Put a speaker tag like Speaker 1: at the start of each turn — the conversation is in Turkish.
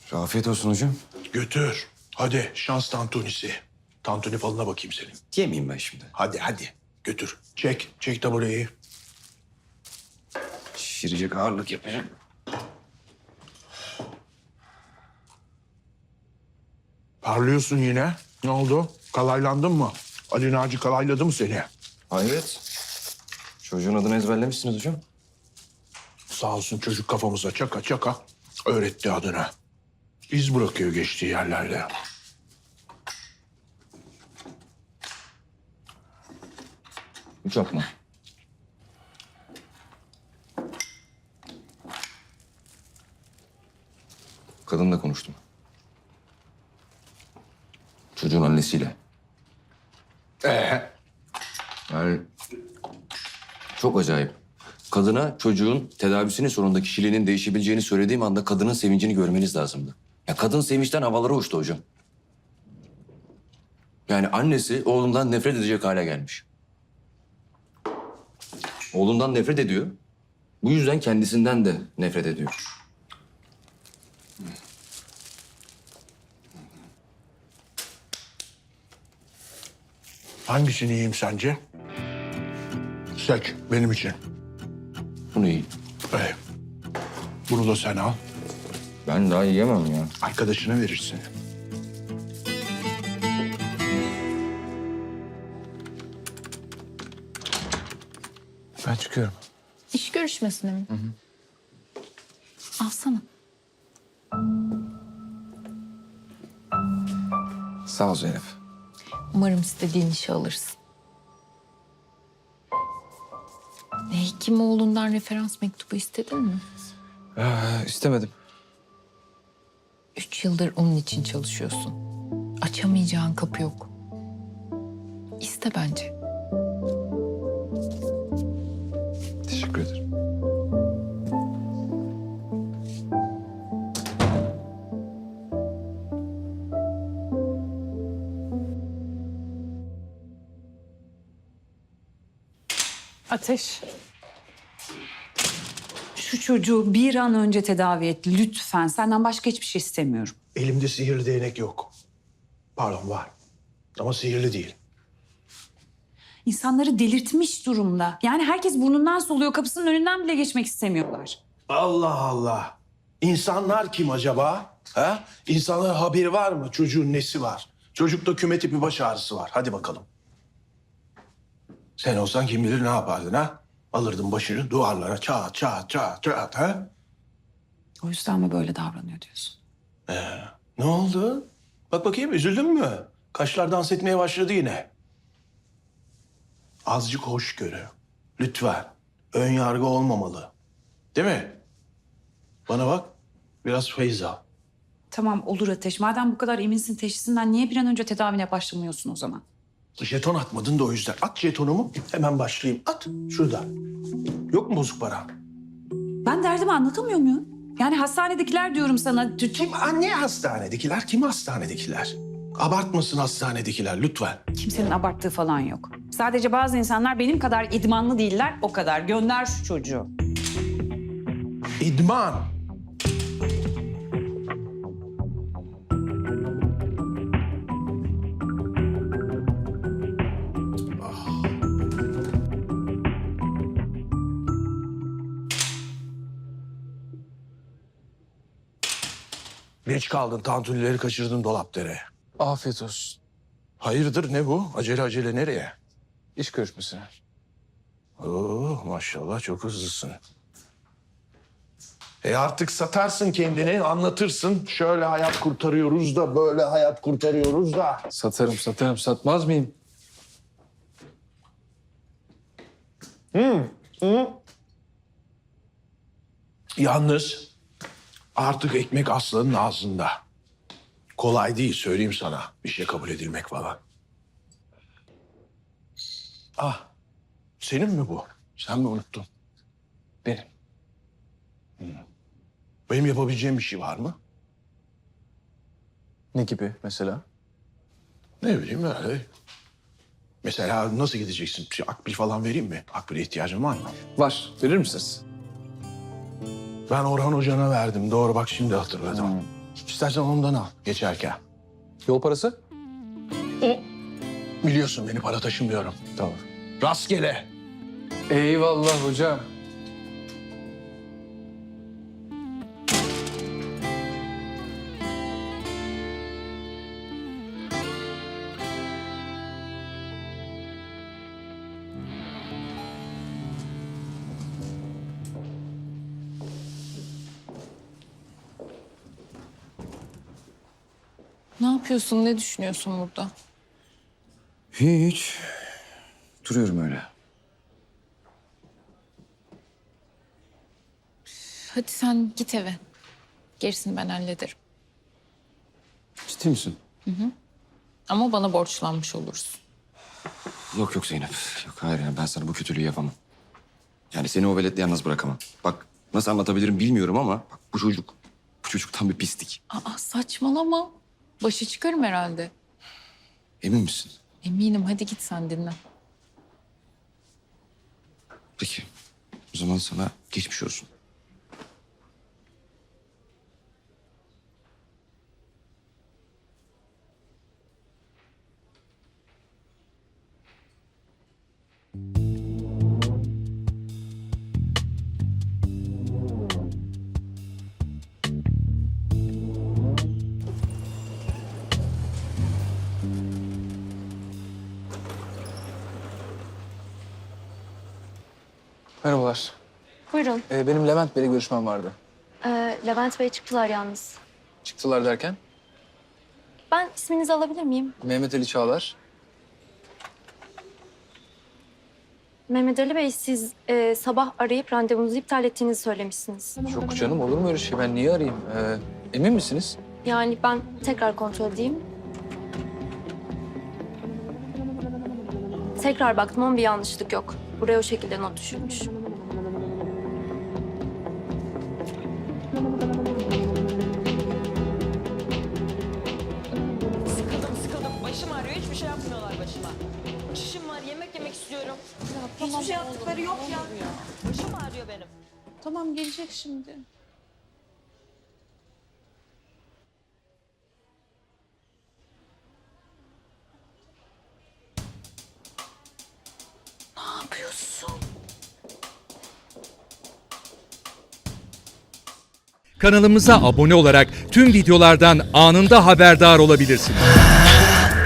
Speaker 1: Afiyet olsun hocam.
Speaker 2: Götür. Hadi şans tantunisi. Tantuni falına bakayım senin.
Speaker 1: Yemeyeyim ben şimdi.
Speaker 2: Hadi götür. Çek tabureyi.
Speaker 1: Şişirecek ağırlık yapacağım.
Speaker 2: Parlıyorsun yine. Ne oldu? Kalaylandın mı? Ali Naci kalayladı mı seni?
Speaker 1: Hayret. Çocuğun adını ezberlemişsiniz hocam.
Speaker 2: Sağ olsun çocuk kafamıza çaka öğretti adını. İz bırakıyor geçtiği yerlerde.
Speaker 1: Uçak mı? Kadınla konuştum. Çocuğun annesiyle. Yani çok acayip. Kadına çocuğun tedavisinin sonunda kişiliğinin değişebileceğini söylediğim anda kadının sevincini görmeniz lazımdı. Ya kadın sevinçten havalara uçtu hocam. Yani annesi oğlundan nefret edecek hale gelmiş. Oğlundan nefret ediyor. Bu yüzden kendisinden de nefret ediyor.
Speaker 2: Hangisini yiyeyim sence? Seç benim için.
Speaker 1: Bunu iyi.
Speaker 2: Bunu da sen al.
Speaker 1: Ben daha yiyemem ya.
Speaker 2: Arkadaşına verirsin.
Speaker 1: Ben çıkıyorum.
Speaker 3: İş görüşmesine mi? Alsana.
Speaker 1: Sağ ol Zeynep.
Speaker 3: Umarım istediğin işi alırsın. Hekimoğlu'ndan referans mektubu istedin mi?
Speaker 1: İstemedim.
Speaker 3: 3 yıldır onun için çalışıyorsun. Açamayacağın kapı yok. İste bence.
Speaker 1: Teşekkür ederim.
Speaker 4: Ateş. Şu çocuğu bir an önce tedavi et lütfen. Senden başka hiçbir şey istemiyorum.
Speaker 2: Elimde sihirli değnek yok. Pardon var. Ama sihirli değil.
Speaker 4: İnsanları delirtmiş durumda. Yani herkes burnundan soluyor. Kapısının önünden bile geçmek istemiyorlar.
Speaker 2: Allah Allah. İnsanlar kim acaba? Ha? İnsanların haberi var mı? Çocuğun nesi var? Çocukta küme tipi baş ağrısı var. Hadi bakalım. Sen olsan kim bilir ne yapardın ha? Alırdın başını duvarlara çat ha?
Speaker 4: O yüzden mi böyle davranıyor diyorsun?
Speaker 2: Ne oldu? Bak bakayım üzüldün mü? Kaşlar dans etmeye başladı yine. Azıcık hoşgörü. Lütfen. Ön yargı olmamalı. Değil mi? Bana bak. Biraz feyiz al.
Speaker 4: Tamam olur Ateş. Madem bu kadar eminsin teşhisinden niye bir an önce tedavine başlamıyorsun o zaman?
Speaker 2: Jeton atmadın da o yüzden. At jetonumu hemen başlayayım. At şurada. Yok mu bozuk para?
Speaker 4: Ben derdimi anlatamıyor muyum? Yani hastanedekiler diyorum sana.
Speaker 2: Kim? Ne hastanedekiler? Kim hastanedekiler? Abartmasın hastanedekiler lütfen.
Speaker 4: Kimsenin abarttığı falan yok. Sadece bazı insanlar benim kadar idmanlı değiller. O kadar. Gönder şu çocuğu.
Speaker 2: İdman. Geç kaldın, tantunileri kaçırdın dolapdere.
Speaker 1: Afiyet olsun.
Speaker 2: Hayırdır ne bu? Acele nereye?
Speaker 1: İş görüşmesine.
Speaker 2: Oo, maşallah çok hızlısın. Artık satarsın kendini, anlatırsın. Şöyle hayat kurtarıyoruz da, böyle hayat kurtarıyoruz da.
Speaker 1: Satarım. Satmaz mıyım?
Speaker 2: Yalnız artık ekmek aslanın ağzında. Kolay değil söyleyeyim sana bir şey kabul edilmek falan. Ah, senin mi bu? Sen mi unuttun?
Speaker 1: Benim.
Speaker 2: Benim yapabileceğim bir şey var mı?
Speaker 1: Ne gibi mesela?
Speaker 2: Ne bileyim öyle. Mesela nasıl gideceksin? Akbil falan vereyim mi? Akbil'e ihtiyacın var mı?
Speaker 1: Var. Verir misiniz?
Speaker 2: Ben Orhan Hoca'na verdim. Doğru bak şimdi hatırladım. İstersen ondan al geçerken.
Speaker 5: Yol parası?
Speaker 2: Biliyorsun beni para taşımıyorum.
Speaker 5: Tamam.
Speaker 2: Rastgele.
Speaker 5: Eyvallah hocam.
Speaker 3: Ne yapıyorsun, ne düşünüyorsun burada?
Speaker 1: Hiç. Duruyorum öyle.
Speaker 3: Hadi sen git eve. Gerisini ben hallederim.
Speaker 1: Ciddi misin?
Speaker 3: Ama bana borçlanmış olursun.
Speaker 1: Yok yok Zeynep. Yok hayır yani ben sana bu kötülüğü yapamam. Yani seni o veletle yalnız bırakamam. Bak nasıl anlatabilirim bilmiyorum ama bak bu çocuk tam bir pislik.
Speaker 3: Aa, saçmalama. Başı çıkarım herhalde.
Speaker 1: Emin misin?
Speaker 3: Eminim, hadi git sen dinle.
Speaker 1: Peki. O zaman sana geçmiş olsun.
Speaker 5: Merhabalar.
Speaker 6: Buyurun.
Speaker 5: Benim Levent Bey'le görüşmem vardı.
Speaker 6: Levent Bey çıktılar yalnız.
Speaker 5: Çıktılar derken?
Speaker 6: Ben isminizi alabilir miyim?
Speaker 5: Mehmet Ali Çağlar.
Speaker 6: Mehmet Ali Bey, siz sabah arayıp randevunuzu iptal ettiğinizi söylemişsiniz.
Speaker 5: Yok canım, olur mu öyle şey? Ben niye arayayım? Emin misiniz?
Speaker 6: Yani ben tekrar kontrol edeyim. Tekrar baktım ama bir yanlışlık yok. Buraya o şekilde not düşülmüş.
Speaker 7: Sıkıldım. Başım ağrıyor. Hiçbir şey yapmıyorlar başıma. Şişim var. Yemek yemek istiyorum. Hiçbir şey yaptıkları yok ya. Başım ağrıyor benim.
Speaker 3: Tamam, gelecek şimdi. Ne yapıyorsun?
Speaker 8: Kanalımıza abone olarak tüm videolardan anında haberdar olabilirsiniz.